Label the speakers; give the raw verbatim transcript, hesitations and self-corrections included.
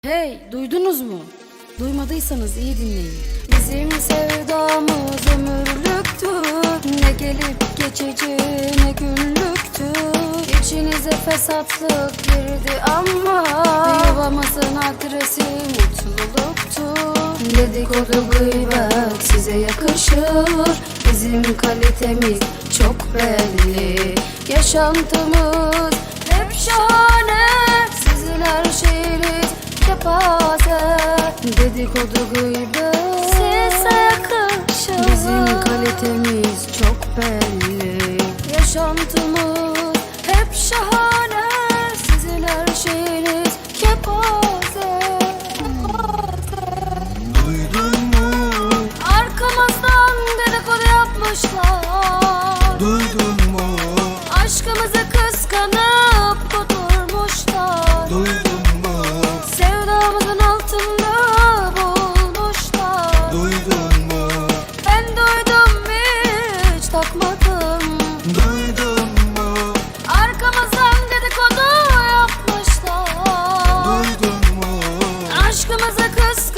Speaker 1: Hey, duydunuz mu? Duymadıysanız iyi dinleyin. Bizim sevdamız ömürlüktür. Ne gelip geçici ne günlüktür. İçinize fesatlık girdi ama yuvamızın adresi mutluluktur. Dedikodu gıybet size yakışır. Bizim kalitemiz çok belli. Yaşantımız hep şahane. Sizin her şeyiniz kepaze. Dedikodu gıybet size yakışır. Bizim kalitemiz çok belli. Yaşantımız hep şahane. Sizin her şeyiniz kepaze.
Speaker 2: Duydun mu?
Speaker 1: Arkamızdan dedikodu yapmışlar.
Speaker 2: Duydun mu?
Speaker 1: Aşkımızı kıskanıp kudurmuşlar.
Speaker 2: Duydun mu?
Speaker 1: Sevdamızın altında bulmuşlar.
Speaker 2: Duydun mu?
Speaker 1: Ben duydum hiç takmadım.
Speaker 2: Duydun mu?
Speaker 1: Arkamızdan dedikodu yapmışlar.
Speaker 2: Duydun mu?
Speaker 1: Aşkımızı kıskanıp